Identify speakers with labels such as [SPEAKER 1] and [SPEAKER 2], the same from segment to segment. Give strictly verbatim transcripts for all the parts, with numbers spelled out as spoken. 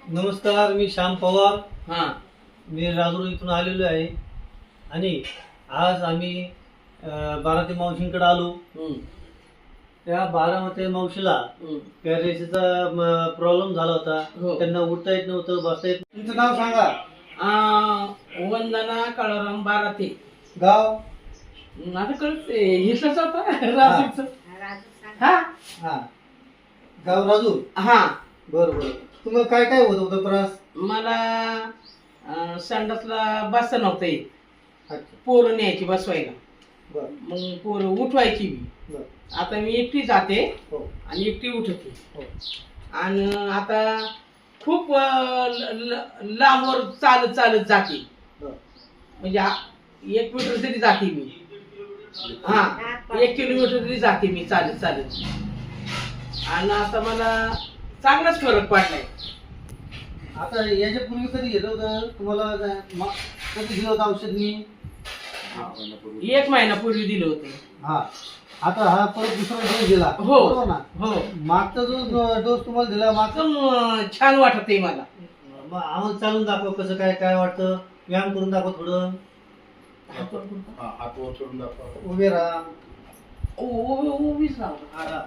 [SPEAKER 1] नमस्कार, मी श्याम पवार.
[SPEAKER 2] हा
[SPEAKER 1] मी राजूर इथून आलेलो आहे आणि आज आम्ही अं, बारामती मावशींकडे आलो.
[SPEAKER 2] हम्म,
[SPEAKER 1] त्या बारामती मावशीला
[SPEAKER 2] हम्म.
[SPEAKER 1] पॅरालिसिसचा प्रॉब्लेम झाला होता.
[SPEAKER 2] हो.
[SPEAKER 1] त्यांना उठता येत नव्हतं, बसता येत. तुमचं नाव सांगा.
[SPEAKER 2] आ, वंदना काळाराम बाराते.
[SPEAKER 1] गाव?
[SPEAKER 2] आता कळते हिसच होता राजूचं. हा
[SPEAKER 1] हा, गाव राजूर.
[SPEAKER 2] हा
[SPEAKER 1] बरं बरं. तुम्हाला काय काय होत होतं त्रास?
[SPEAKER 2] मला अं, संडासला बसता नव्हतं येत.
[SPEAKER 1] अच्छा.
[SPEAKER 2] पोरं न्यायची बसवायला,
[SPEAKER 1] बरं
[SPEAKER 2] मग पोरं उठवायची मी.
[SPEAKER 1] बरं.
[SPEAKER 2] आता मी एकटी जाते
[SPEAKER 1] हो
[SPEAKER 2] आणि एकटी उठते.
[SPEAKER 1] हो.
[SPEAKER 2] आणि आता खूप अं, ल- ल- लांबवर चालत चालत जाते.
[SPEAKER 1] बरं.
[SPEAKER 2] म्हणजे आ- एक मीटर तरी जाते मी. हा, एक किलोमीटर तरी जाते मी चालत चालत. आणि आता मला चांगलाच फरक पडलाय.
[SPEAKER 1] आता याच्या पूर्वी कधी घेतलं होतं तुम्हाला? मा- कधी दिलं होतं औषध मी?
[SPEAKER 2] एक महिन्यापूर्वी दिलं होतं.
[SPEAKER 1] हा. आता हा परत दुसरा डोस दिला.
[SPEAKER 2] हो.
[SPEAKER 1] बरोबर ना?
[SPEAKER 2] हो,
[SPEAKER 1] मागचा जो डोस तुम्हाला दिला मागचा,
[SPEAKER 2] एकदम अं, छान वाटत आहे मला.
[SPEAKER 1] मग आम्हाला चालून दाखव कसं काय काय वाटतं. व्यायाम करून दाखव थोडं.
[SPEAKER 3] हात वर करून दाखवा.
[SPEAKER 1] उभे राहा.
[SPEAKER 2] उ- उ- उभीच राहू.
[SPEAKER 1] हा, हा.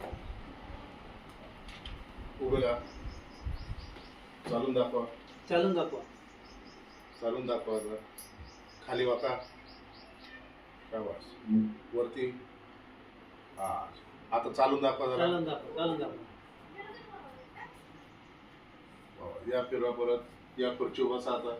[SPEAKER 3] उभे राहा. चालून दाखवा.
[SPEAKER 1] चालून दाखवा.
[SPEAKER 3] चालून दाखवा जरा. खाली वाका. शाबास. वरती. हा. आता चालून दाखवा जरा.
[SPEAKER 1] चालून दाखवा. चालून दाखवा.
[SPEAKER 3] हो, या फिरवा परत. या खुर्चीवर बसा आता.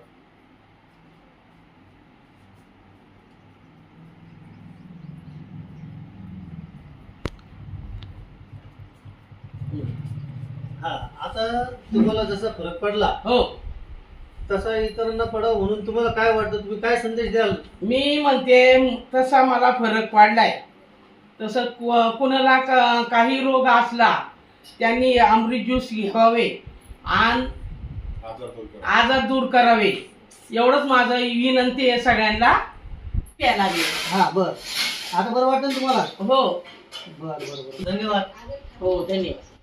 [SPEAKER 1] हा, आता तुम्हाला जसा फरक पडला
[SPEAKER 2] हो,
[SPEAKER 1] तसा इतरांना पडावं म्हणून तुम्हाला काय वाटतं? तुम्ही काय संदेश द्याल?
[SPEAKER 2] मी म्हणते तसा मला फरक पडलाय. तसं कु- कुणाला का- काही रोग असला त्यांनी अमृत ज्यूस घ्यावे आणि
[SPEAKER 3] आजार दूर करा.
[SPEAKER 2] आजार दूर करावे, एवढंच माझं विनंती आहे सगळ्यांना. प्यायला लागेल.
[SPEAKER 1] हा, बर. आता बरं वाटेल तुम्हाला?
[SPEAKER 2] हो
[SPEAKER 1] बर बर बर. धन्यवाद.
[SPEAKER 2] हो, धन्यवाद.